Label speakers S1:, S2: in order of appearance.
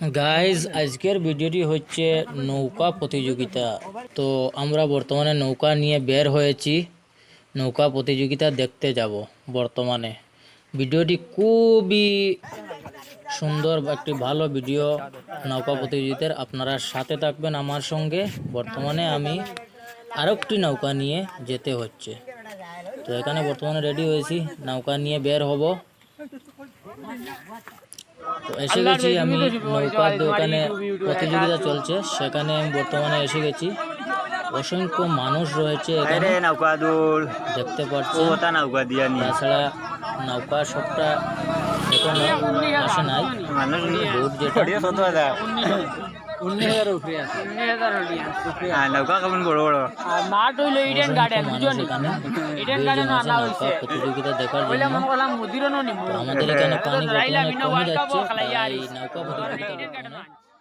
S1: Guys আজকের ভিডিওটি হচ্ছে নৌকা প্রতিযোগিতা। তো আমরা বর্তমানে নৌকা নিয়ে বের হয়েছি, নৌকা প্রতিযোগিতা দেখতে যাব। বর্তমানে ভিডিওটি খুবই সুন্দর, একটি ভালো ভিডিও নৌকা প্রতিযোগিতার। আপনারা সাথে থাকবেন আমার সঙ্গে। বর্তমানে আমি আরেকটি নৌকা নিয়ে যেতে হচ্ছে, তো এখানে বর্তমানে রেডি হয়েছি, নৌকা নিয়ে বের হব। তো এসে গেছি আমি নৌকার দোকানে, প্রতিযোগিতা চলছে সেখানে আমি বর্তমানে এসে গেছি। অসংখ্য মানুষ রয়েছে এখানে দেখতে পাচ্ছি। তাছাড়া নৌকা সবটা এখনো আসে নাই, বোট যেটা প্রতিযোগিতা দেখার জন্য। আমাদের এখানে পানি বর্তমানে কমে যাচ্ছে, তাই নৌকা প্রতিযোগিতা